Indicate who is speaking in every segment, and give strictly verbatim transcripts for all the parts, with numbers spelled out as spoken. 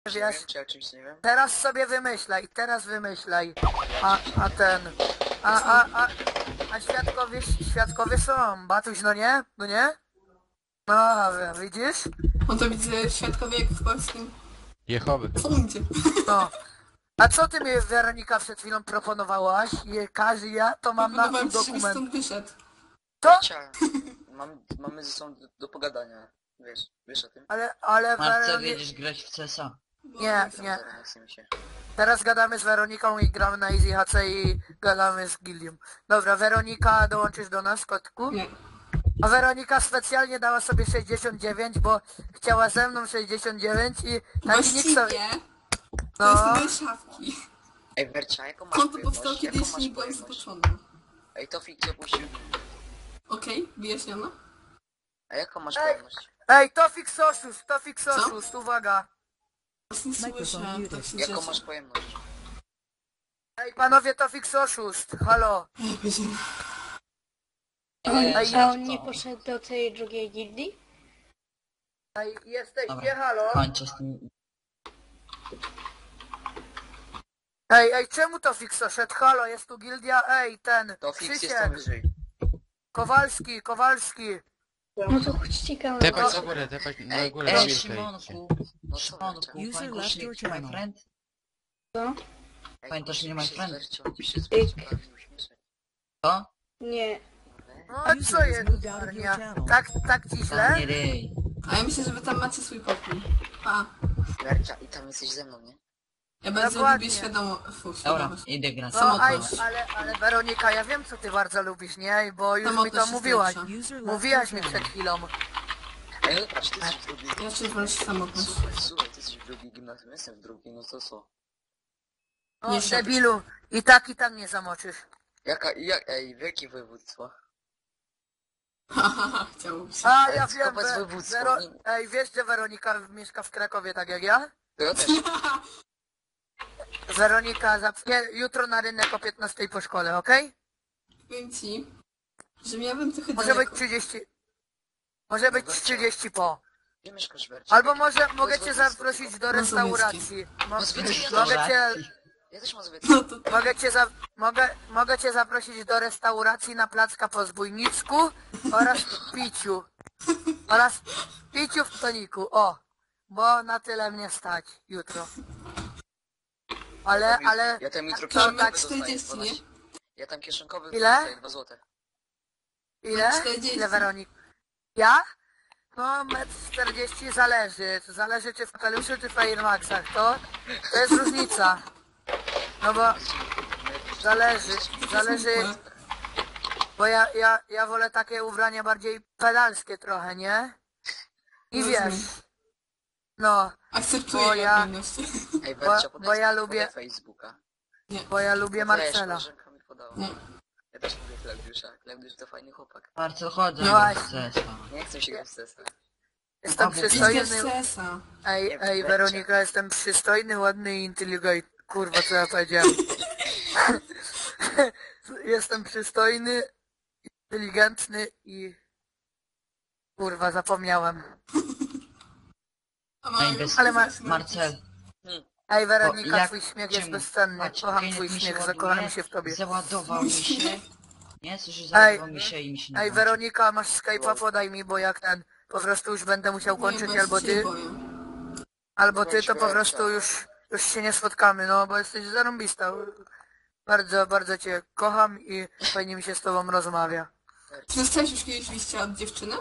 Speaker 1: Nie
Speaker 2: wiesz,
Speaker 1: wiem, czy ja czymś nie wiem.
Speaker 2: teraz sobie wymyślaj, teraz wymyślaj. A, a ten, a, a, a, a świadkowie, świadkowie są, Batuś, no nie? No nie? No, widzisz?
Speaker 3: On to widzę świadkowie jak w polskim
Speaker 4: Jehowy.
Speaker 3: sądzie.
Speaker 2: No. A co ty mi, Weronika, przed chwilą proponowałaś? Je, każe ja to mam na
Speaker 3: Proponowałem ci, żebyś
Speaker 2: dokument.
Speaker 3: stąd wyszedł.
Speaker 2: Co?
Speaker 1: Bercia, mam, mamy ze sobą do, do pogadania. Wiesz, wiesz o tym?
Speaker 2: Ale, ale
Speaker 5: Marcel,
Speaker 2: Weronika...
Speaker 5: jedziesz grać w C S a.
Speaker 2: Nie,
Speaker 1: Tam
Speaker 2: nie.
Speaker 1: zaraz nie chce mi się.
Speaker 2: Teraz gadamy z Weroniką i gramy na Easy H C i gadamy z Gilliam. Dobra, Weronika, dołączysz do nas, kotku?
Speaker 3: Nie.
Speaker 2: A Weronika specjalnie dała sobie sześćdziesiąt dziewięć, bo chciała ze mną sześćdziesiąt dziewięć i taki nikt sobie...
Speaker 3: Właściwie to jest
Speaker 2: No,
Speaker 3: moje szafki.
Speaker 1: Ej, Bercia, jaką masz
Speaker 3: Konto
Speaker 1: pojemność?
Speaker 3: powstało
Speaker 1: Jaką
Speaker 3: kiedyś
Speaker 1: masz
Speaker 3: nie byłem
Speaker 1: pojemność?
Speaker 3: zboczony.
Speaker 1: Ej, Tofik cię opuścił.
Speaker 3: Okej, wyjaśniono?
Speaker 1: A jaką masz
Speaker 2: Ej.
Speaker 1: pojemność?
Speaker 2: ej, Tofik Soszust, Tofik Soszust, uwaga.
Speaker 3: Właśnie nie słyszę, tak się
Speaker 1: Jaką
Speaker 3: cieszę.
Speaker 1: masz pojemność?
Speaker 2: Ej, panowie, Tofik Soszust, halo.
Speaker 3: Ej, będzie-
Speaker 1: Ej,
Speaker 2: Ej,
Speaker 6: A on nie poszedł do tej drugiej gildii?
Speaker 2: Ej, jesteście,
Speaker 5: Dobra.
Speaker 2: halo?
Speaker 5: Kończę z tym.
Speaker 2: Ej, ej, czemu Tofik Soszedł? Halo, jest tu gildia, ej, ten,
Speaker 1: Tofik jest tam
Speaker 2: Krzysiek,
Speaker 1: wyżej.
Speaker 2: Kowalski, Kowalski.
Speaker 6: No to chodźcie kanał.
Speaker 4: Tepać na górę, tepać na
Speaker 1: Ej,
Speaker 4: górę.
Speaker 5: Ej,
Speaker 4: na
Speaker 5: Szymonku,
Speaker 1: No co,
Speaker 5: Szymonku,
Speaker 1: Bercia?
Speaker 5: pamiętasz link my friend?
Speaker 6: Co?
Speaker 1: Ej,
Speaker 5: Pamiętasz mnie,
Speaker 1: musimy
Speaker 5: my
Speaker 1: się
Speaker 5: friend?
Speaker 1: z Bercią- musimy się z Bercią prawie uśmieszać.
Speaker 5: Co?
Speaker 6: Nie.
Speaker 2: No, a co jest, Arnia? Tak, tak ci
Speaker 5: Tam
Speaker 2: źle?
Speaker 5: nie ryj.
Speaker 3: A ja myślę, że wy tam macie swój pokój. A,
Speaker 1: Bercia, i tam jesteś ze mną, nie?
Speaker 3: ja bardzo
Speaker 2: Dokładnie.
Speaker 3: lubię świadomo... Fu,
Speaker 5: Dobra,
Speaker 3: świadomość.
Speaker 5: idę grać.
Speaker 2: No, aj,
Speaker 3: Samotność.
Speaker 2: ale, ale Weronika, ja wiem co ty bardzo lubisz, nie? Bo już mi
Speaker 3: Samotność
Speaker 2: to
Speaker 3: jest
Speaker 2: mówiłaś.
Speaker 3: lepsza.
Speaker 2: Mówiłaś mi przed chwilą.
Speaker 1: Ej, no patrz, ty jesteś w drugiej...
Speaker 3: Ja się wolę samotność.
Speaker 1: Słuchaj, słuchaj, ty jesteś w drugiej gimnazjum, ja jestem w drugiej, no to co?
Speaker 2: O,
Speaker 3: Nie szepcz.
Speaker 2: debilu. I tak, i tak nie zamoczysz.
Speaker 1: Jaka, jak, ej, wielkie województwo?
Speaker 3: Hahaha, chciałbym się.
Speaker 2: A,
Speaker 1: Ej,
Speaker 2: ja
Speaker 1: skopać
Speaker 2: wiem, we,
Speaker 1: województwo,
Speaker 2: Wero...
Speaker 1: nie-
Speaker 2: Ej, wiesz, że Weronika mieszka w Krakowie, tak jak ja?
Speaker 1: To ja też.
Speaker 2: Weronika, za... nie, jutro na rynek o piętnastej po szkole, okej?
Speaker 3: Powiem ci, że miałbym trochę
Speaker 2: Może być
Speaker 3: daleko.
Speaker 2: trzydzieści... Może być trzydzieści po.
Speaker 1: Gdzie mieszkasz, Bercia?
Speaker 2: Albo może mogę cię zaprosić do restauracji. Mo...
Speaker 1: Mazowieckie.
Speaker 2: Mogę cię...
Speaker 1: Ja też mam zbyt.
Speaker 3: No to
Speaker 2: Mogę cię, za... mogę... mogę cię zaprosić do restauracji na Placka po Zbójnicku oraz piciu. Oraz piciu w toniku, o. Bo na tyle mnie stać jutro. Ale, ale...
Speaker 1: Ja tam jutro
Speaker 2: to
Speaker 1: kieszonkowy
Speaker 2: tak
Speaker 1: dostaję
Speaker 3: czterdzieści, nie?
Speaker 1: dwanaście. Ja tam kieszonkowy
Speaker 2: Ile?
Speaker 1: dostaję dwa złote.
Speaker 2: Ile?
Speaker 3: czterdzieści.
Speaker 2: Ile Weronik? Ja? No, metr czterdzieści zależy. To zależy czy w kapeluszu, czy w Air Maxach. To, to jest różnica. No bo zależy, zależy, bo ja, ja, ja wolę takie ubrania bardziej pedalskie trochę, nie? I
Speaker 3: Rozumiem.
Speaker 2: wiesz, no,
Speaker 3: akceptuję
Speaker 2: Bo ja-
Speaker 3: odmienność.
Speaker 1: Ej, Bercia,
Speaker 2: bo
Speaker 1: podaj,
Speaker 2: ja
Speaker 1: podaj
Speaker 2: lubię-
Speaker 1: Facebooka.
Speaker 2: bo ja lubię
Speaker 1: Podaj,
Speaker 2: Marcela.
Speaker 1: koleżanka mi podała.
Speaker 3: Nie.
Speaker 1: Ja też lubię Klaudiusza. Klaudiusz to fajny chłopak.
Speaker 5: Marcel, chodź
Speaker 2: No
Speaker 5: no
Speaker 2: właśnie.
Speaker 5: w C S a.
Speaker 1: Nie chcę się grać w sesa.
Speaker 2: Jestem
Speaker 5: Albo
Speaker 3: Idź
Speaker 2: przystojny,
Speaker 3: z C S a.
Speaker 2: ej, ej Weronika, jestem przystojny, ładny i inteligentny. Kurwa, co ja powiedziałem? Jestem przystojny, inteligentny i... Kurwa, zapomniałem.
Speaker 3: A
Speaker 5: Ej,
Speaker 3: mam
Speaker 5: bez...
Speaker 2: Ale ma-
Speaker 5: Marcel,
Speaker 2: Ej, Weronika,
Speaker 5: O, jak-
Speaker 2: twój śmiech jest
Speaker 5: czemu?
Speaker 2: bezcenny.
Speaker 5: Patrz,
Speaker 2: Kocham
Speaker 5: Kenneth
Speaker 2: twój
Speaker 5: mi się
Speaker 2: śmiech,
Speaker 5: ładuje,
Speaker 2: zakocham się w tobie.
Speaker 5: załadował mi się. Nie, słyszysz,
Speaker 2: Ej,
Speaker 5: załadował mi się i mi się nie
Speaker 2: Ej,
Speaker 5: włączy.
Speaker 2: Weronika, masz Skype'a, podaj mi, bo jak ten... Po prostu już będę musiał kończyć, albo ty, albo ty, to po prostu już, już się nie spotkamy, no, bo jesteś zarąbista. Bardzo, bardzo cię kocham i fajnie mi się z tobą rozmawia.
Speaker 3: Czy dostałeś już kiedyś liścia od dziewczyny?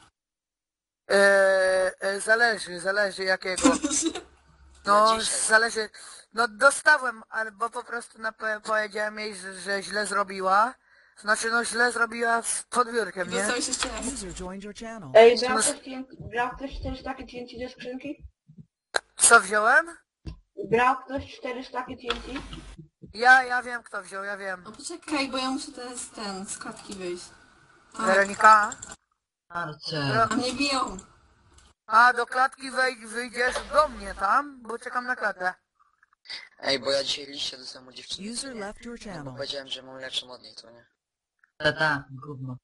Speaker 2: Eee, e, zależy, zależy jakiego. No,
Speaker 1: Na dzisiaj.
Speaker 2: zależy. No dostałem, albo po prostu na, powiedziałem jej, że, że źle zrobiła. Znaczy, no źle zrobiła z podbiórkiem, nie?
Speaker 3: Dostałeś jeszcze raz.
Speaker 7: User joined your channel.
Speaker 6: Ej, brał ktoś, T N T brał ktoś cztery staki T N T do skrzynki?
Speaker 2: Co wziąłem?
Speaker 6: Brał ktoś cztery staki T N T?
Speaker 2: Ja, ja wiem kto wziął, ja wiem.
Speaker 3: No poczekaj, bo ja muszę teraz ten, z klatki wyjść. Tak.
Speaker 2: Weronika?
Speaker 5: Marcel,
Speaker 3: A mnie biją.
Speaker 2: A, do klatki wejdź, wyjdziesz do mnie tam, bo czekam na klatę.
Speaker 1: Ej, bo ja dzisiaj liście dostałem od dziewczyny.
Speaker 7: User
Speaker 1: nie?
Speaker 7: left your
Speaker 1: Bo
Speaker 7: channel.
Speaker 1: powiedziałem, że mam lepszą od niej, to nie?
Speaker 5: tata, gówno.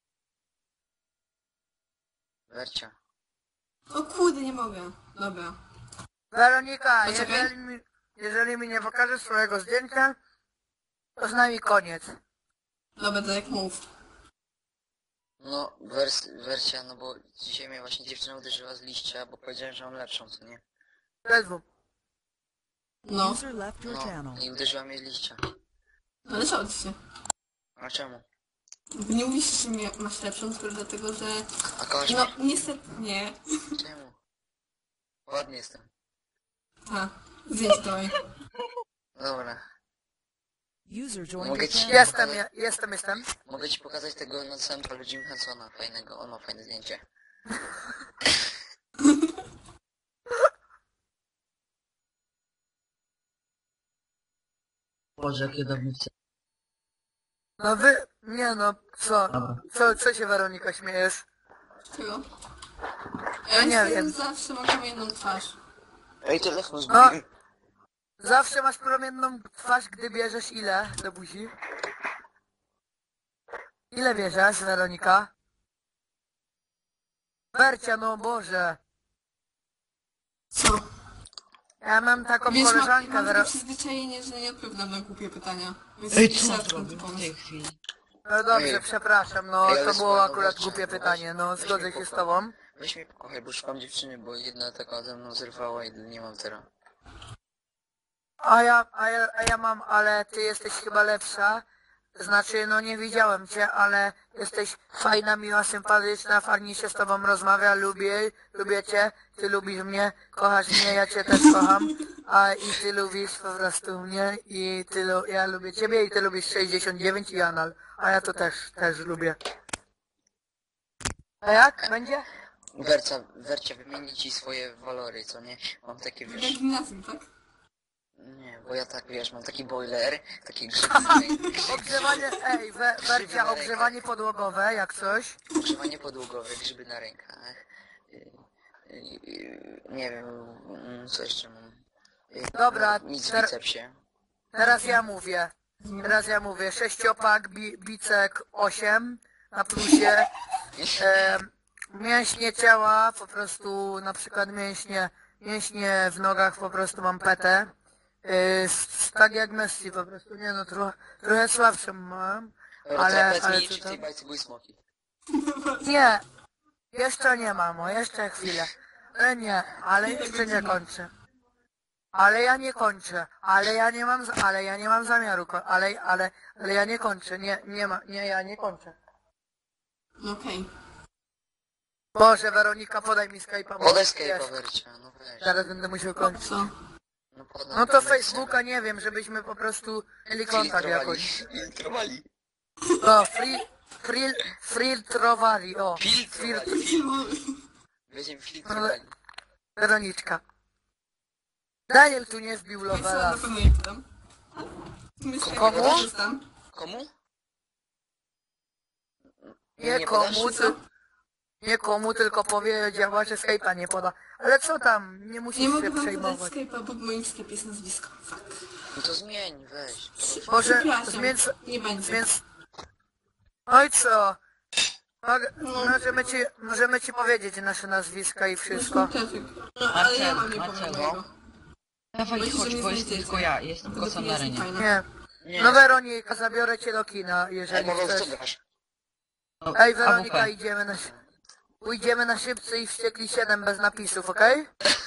Speaker 1: Wercia.
Speaker 3: O kurde, nie mogę. Dobra.
Speaker 2: Weronika,
Speaker 3: Poczekaj.
Speaker 2: jeżeli mi, jeżeli mi nie pokażesz swojego zdjęcia, to z nami koniec.
Speaker 3: Dobra, to jak mów.
Speaker 1: No, wers wersja, no bo dzisiaj mnie właśnie dziewczyna uderzyła z liścia, bo powiedziałem, że mam lepszą, co nie?
Speaker 2: Ledwo.
Speaker 3: No,
Speaker 7: User left your
Speaker 1: No,
Speaker 7: channel.
Speaker 1: i uderzyła mnie z liścia.
Speaker 3: ale co się?
Speaker 1: A czemu?
Speaker 3: Bo nie mówisz, że mnie masz lepszą, tylko dlatego, że...
Speaker 1: A kochasz
Speaker 3: No,
Speaker 1: mnie?
Speaker 3: niestety nie.
Speaker 1: Czemu? Ładny jestem.
Speaker 3: A, zdjęcie dawaj.
Speaker 1: Dobra.
Speaker 7: User joined
Speaker 1: Mogę
Speaker 7: your
Speaker 1: ci-
Speaker 7: channel.
Speaker 2: Jestem, je- jestem, jestem.
Speaker 1: Mogę ci pokazać tego na samym polu Jim Hensona, fajnego, on ma fajne zdjęcie.
Speaker 5: Boże, jakie dawnice.
Speaker 2: No wy, nie no, co?
Speaker 5: Dobra.
Speaker 2: Co, co się Weronika śmiejesz?
Speaker 3: Czego?
Speaker 2: Ja
Speaker 3: Ja
Speaker 2: nie
Speaker 3: niestety
Speaker 2: wiem.
Speaker 3: zawsze mam kamienną twarz.
Speaker 1: Ej, telefon
Speaker 2: No,
Speaker 1: zgubiłem.
Speaker 2: zawsze masz promienną twarz, gdy bierzesz ile do buzi? Ile bierzesz, Weronika? Wercia, no Boże.
Speaker 3: Co?
Speaker 2: Ja mam taką
Speaker 3: Wiesz, mam,
Speaker 2: koleżankę,
Speaker 3: mam
Speaker 2: Wero...
Speaker 3: takie przyzwyczajenie, że nie odpowiadam na głupie pytania. Więc
Speaker 5: Ej, co
Speaker 3: trzeba
Speaker 5: on
Speaker 3: skąd
Speaker 5: zrobił w
Speaker 3: pomysł.
Speaker 5: tej chwili?
Speaker 2: No dobrze,
Speaker 1: Ej.
Speaker 2: przepraszam, no
Speaker 1: Ej, ale
Speaker 2: to
Speaker 1: słuchaj,
Speaker 2: było
Speaker 1: no
Speaker 2: akurat
Speaker 1: weź-
Speaker 2: głupie
Speaker 1: weź-
Speaker 2: pytanie, no
Speaker 1: weź
Speaker 2: zgodzę
Speaker 1: mnie
Speaker 2: się z
Speaker 1: pokochaj.
Speaker 2: tobą.
Speaker 1: Weź mnie pokochaj, bo szukam dziewczyny, bo jedna taka ze mną zerwała i nie mam teraz.
Speaker 2: A ja, a ja, a ja mam, ale ty jesteś chyba lepsza. Znaczy, no nie widziałem cię, ale jesteś fajna, miła, sympatyczna, fajnie się z tobą rozmawia, lubię, lubię cię, ty lubisz mnie, kochasz mnie, ja cię też kocham, a i ty lubisz po prostu mnie i ty, lu- ja lubię ciebie i ty lubisz sześćdziesiąt dziewięć i anal, a ja to też, też lubię. A jak? Będzie?
Speaker 1: Werca, Wercia, wymieni ci swoje walory, co nie? Mam takie,
Speaker 3: Jak
Speaker 1: wiesz...
Speaker 3: gimnazjum, tak?
Speaker 1: Nie, bo ja tak, wiesz, mam taki boiler, taki grzyby,
Speaker 2: Ogrzewanie, ej, we, Wercia, ogrzewanie podłogowe, jak coś.
Speaker 1: ogrzewanie podłogowe, grzyby na rękach. y, y, y, Nie wiem, mm, co jeszcze mam. Y,
Speaker 2: Dobra,
Speaker 1: no, nic w
Speaker 2: ter-
Speaker 1: bicepsie.
Speaker 2: Teraz ja mówię. Teraz ja mówię. Sześciopak, bi, bicek osiem na plusie. E, mięśnie ciała, po prostu na przykład mięśnie, mięśnie w nogach po prostu mam petę. E, s- tak jak Messi po prostu, nie no, trochę, trochę słabszą mam.
Speaker 1: Dobra,
Speaker 2: Ale-
Speaker 1: ale,
Speaker 2: ale
Speaker 1: mi,
Speaker 2: co
Speaker 1: czy w tej
Speaker 2: tam?
Speaker 1: bajce były smoki?
Speaker 2: Nie, jeszcze nie mamo, jeszcze chwilę. Ale nie, ale jeszcze nie kończę. Ale ja nie kończę, ale ja nie mam, z- ale ja nie mam zamiaru, ko- ale, ale, ale ja nie kończę, nie, nie ma, nie, ja nie kończę.
Speaker 3: No okej.
Speaker 2: Boże, Weronika, podaj mi Skype'a, bo
Speaker 1: Podaj
Speaker 2: wiesz,
Speaker 1: Skype'a, Wercia, no weź.
Speaker 2: zaraz będę musiał kończyć.
Speaker 3: Co?
Speaker 1: No, podam
Speaker 2: No to
Speaker 1: Wercia.
Speaker 2: Facebooka nie wiem, żebyśmy po prostu mieli kontakt
Speaker 1: Filtrowali.
Speaker 2: jakoś.
Speaker 1: Filtrowali.
Speaker 2: O, free, free, filtrowali, o,
Speaker 1: Filtrowali.
Speaker 3: Filmu-
Speaker 1: Będziemy filtrowali.
Speaker 2: Weroniczka. Daniel tu nie wbił
Speaker 3: Wiesz co,
Speaker 2: Lovela.
Speaker 3: na pewno nie pytam. Myślę,
Speaker 2: Komu?
Speaker 3: jak korzystam.
Speaker 1: Komu?
Speaker 2: Nie
Speaker 1: Nie
Speaker 2: komu,
Speaker 1: podasz?
Speaker 2: ty, nie komu, tylko powiedziała, że Skype'a nie poda. Ale co tam, nie
Speaker 3: Nie
Speaker 2: musisz
Speaker 3: mogę
Speaker 2: się
Speaker 3: wam podać
Speaker 2: przejmować.
Speaker 3: Skype'a, bo w moim sklepie jest nazwisko. Fuck.
Speaker 1: No to zmień, weź.
Speaker 2: Może
Speaker 3: Przepraszam,
Speaker 2: zmień,
Speaker 3: nie będzie.
Speaker 2: więc... Oj co? Mogę,
Speaker 3: No.
Speaker 2: możemy, ci, możemy ci powiedzieć nasze nazwiska i wszystko.
Speaker 3: No, ale ja mam nie
Speaker 5: Marcel,
Speaker 3: powiem
Speaker 5: Marcel,
Speaker 3: mojego.
Speaker 5: Dawaj,
Speaker 3: Myślisz, że
Speaker 5: chodź,
Speaker 3: mnie
Speaker 5: bo jest
Speaker 3: znajdziecie.
Speaker 5: tylko ja, jestem
Speaker 3: Bo
Speaker 5: kosa
Speaker 3: to
Speaker 5: na
Speaker 3: jest
Speaker 5: arenie.
Speaker 3: fajne.
Speaker 2: Nie.
Speaker 1: Nie.
Speaker 2: No Weronika, zabiorę cię do kina,
Speaker 1: Ej,
Speaker 2: jeżeli
Speaker 1: Paweł,
Speaker 2: chcesz.
Speaker 1: co grasz?
Speaker 5: No,
Speaker 2: Ej Weronika,
Speaker 5: A W P.
Speaker 2: idziemy na... Pójdziemy na szybcy i wściekli siedem bez napisów, okej?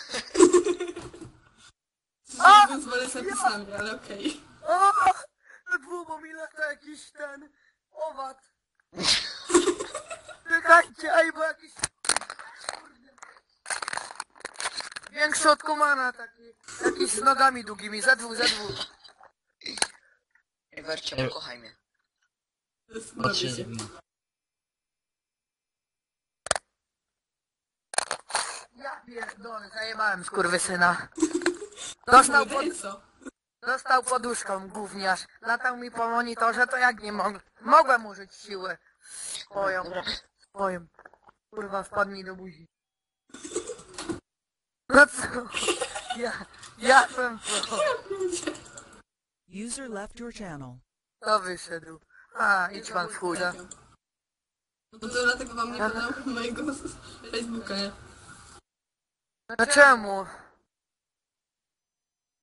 Speaker 3: A! Pozwolę z napisami, ale okej.
Speaker 2: O! Na dwumomilach to jakiś ten... owad. Czekajcie, ej, bo jakiś... Kurde. Większy od komana taki. Jakiś z nogami długimi, ze dwóch, ze dwóch.
Speaker 1: Ej, Wercia, pokochaj mnie.
Speaker 5: Patrzę,
Speaker 3: Robię się.
Speaker 2: Ja pierdolę, zajebałem skurwysyna. Dostał, pod,
Speaker 3: Ej, co?
Speaker 2: dostał poduszką, gówniarz. Latał mi po monitorze, to jak nie mogłem. Mogłem użyć siły. Swoją,
Speaker 1: Dobra,
Speaker 2: swoją. Kurwa, wpadnij do buzi. No co? Ja, ja bym to...
Speaker 7: User left your channel.
Speaker 2: To wyszedł. A, idź pan w chuda.
Speaker 3: No to dlatego wam nie podam mojego Facebooka, nie?
Speaker 2: No czemu?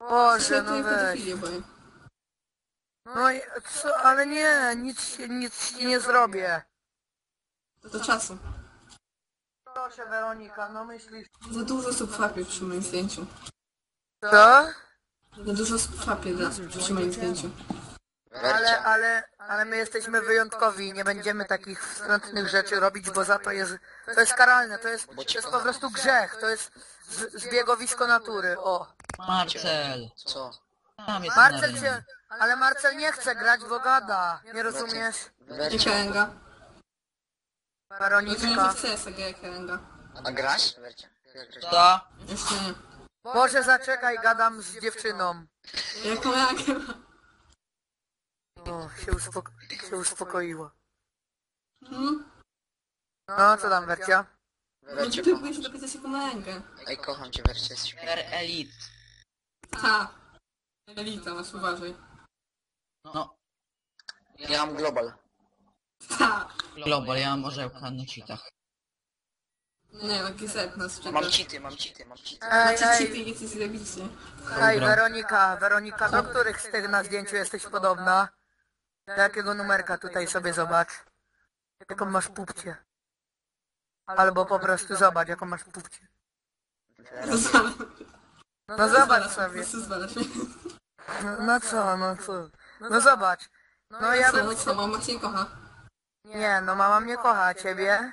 Speaker 2: Boże, no
Speaker 3: Świetnie
Speaker 2: weź.
Speaker 3: pedofilię boję.
Speaker 2: No i co, ale nie, nic się, nic ci nie zrobię.
Speaker 3: Do czasu.
Speaker 2: Proszę Weronika, no myślisz...
Speaker 3: Za dużo subfapie przy moim zdjęciu.
Speaker 2: Co?
Speaker 3: Za dużo subfapie da przy moim zdjęciu.
Speaker 2: Ale,
Speaker 1: Wercia,
Speaker 2: ale, ale my jesteśmy wyjątkowi i nie będziemy takich wstrętnych rzeczy robić, bo za to jest, to jest karalne, to jest, to jest po prostu grzech, to jest z, zbiegowisko natury, o.
Speaker 5: Marcel!
Speaker 1: co?
Speaker 5: Tam jest
Speaker 2: Marcel
Speaker 5: na
Speaker 2: cię, ale Marcel nie chce grać, bo gada, nie rozumiesz?
Speaker 3: Jaka
Speaker 1: Wercia,
Speaker 3: Enga? Rozumiem, że
Speaker 2: Weroniczka.
Speaker 3: w C S a jaka Enga.
Speaker 1: a grasz? Wercia, jak grasz?
Speaker 5: To?
Speaker 3: Jeszcze nie.
Speaker 2: Boże, zaczekaj, gadam z dziewczyną.
Speaker 3: Jaką Enga?
Speaker 2: O, się, uspoko się uspokoiła.
Speaker 3: Hmm?
Speaker 2: No, co tam, Wercia?
Speaker 3: No
Speaker 1: Wercia,
Speaker 3: ty
Speaker 1: kocham
Speaker 3: próbujesz
Speaker 1: cię.
Speaker 3: dopisać jaką Engę.
Speaker 1: Ej, kocham cię, Wercia, jesteś piękna.
Speaker 5: Per Elite.
Speaker 3: Ha! Elita, masz uważaj.
Speaker 5: No,
Speaker 1: Ja mam global.
Speaker 3: Ha!
Speaker 5: Global, ja mam orzełka na cheatach.
Speaker 3: Nie, no Gizet nas czyta.
Speaker 1: Mam cheaty, mam cheaty, mam cheaty.
Speaker 2: Ej,
Speaker 3: Macie cheaty
Speaker 2: ej,
Speaker 3: i jesteś zajebiście.
Speaker 2: ej, Weronika, Weronika, do których z tych na zdjęciu jesteś podobna? Do jakiego numerka tutaj sobie zobacz? Jaką masz pupcie? Albo po prostu zobacz, jaką masz pupcie.
Speaker 3: Rozwalam.
Speaker 2: No zobacz sobie.
Speaker 3: Po prostu zwalasz mnie.
Speaker 2: No, no co, no co? No zobacz. No ja
Speaker 3: Co,
Speaker 2: bym...
Speaker 3: no co, mama cię kocha.
Speaker 2: Nie, no mama mnie kocha, a ciebie?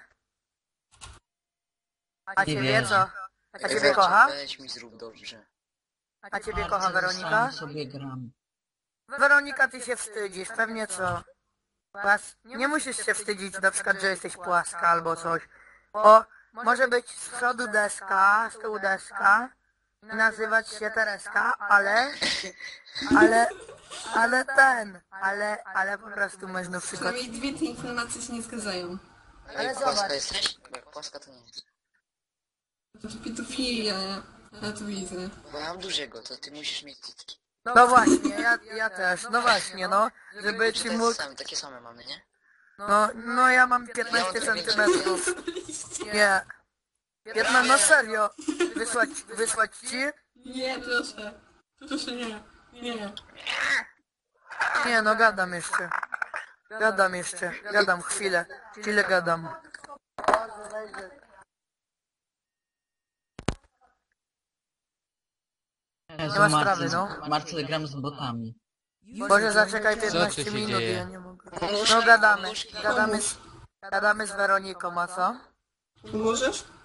Speaker 2: A
Speaker 5: Nie
Speaker 2: ciebie
Speaker 5: wierzę.
Speaker 2: co? A
Speaker 1: Ej,
Speaker 2: ciebie
Speaker 1: Wercia,
Speaker 2: kocha?
Speaker 1: weź mi zrób dobrze.
Speaker 2: A ciebie kocha
Speaker 5: Marcel,
Speaker 2: Weronika?
Speaker 5: sam sobie gram.
Speaker 2: Weronika, ty się wstydzisz, pewnie co? Płas... Nie musisz się wstydzić na przykład, że jesteś płaska albo coś. Bo może być z przodu deska, z tyłu deska i nazywać się Tereska, ale... Ale... Ale ten... Ale... Ale po prostu można przykład...
Speaker 3: Przynajmniej dwie te informacje się nie zgadzają.
Speaker 2: Ale
Speaker 1: Ej, płaska
Speaker 2: zobacz.
Speaker 1: jesteś? Bo jak płaska to nie jest.
Speaker 3: To pedofilia, nie? Ja to widzę.
Speaker 1: Bo ja mam dużego, to ty musisz mieć cytki.
Speaker 2: No właśnie, ja, ja też, no właśnie, no. Żeby ci
Speaker 1: To
Speaker 2: mógł...
Speaker 1: jest same, takie same mamy, nie?
Speaker 2: No, no ja mam piętnaście centymetrów. Nie. piętnaście, no serio. Wysłać, wysłać ci?
Speaker 3: Nie, proszę. Proszę nie. Nie.
Speaker 2: Nie, no gadam jeszcze. Gadam jeszcze, gadam chwilę. Chwilę gadam.
Speaker 5: Jezu,
Speaker 2: ma
Speaker 5: Marcel,
Speaker 2: sprawy, no.
Speaker 5: Marcel, gram z botami.
Speaker 2: Boże, zaczekaj
Speaker 4: Co
Speaker 2: piętnaście
Speaker 4: tu się
Speaker 2: minut,
Speaker 4: dzieje?
Speaker 2: ja nie mogę. No gadamy, gadamy z, gadamy z Weroniką, a co?
Speaker 3: Pomożesz?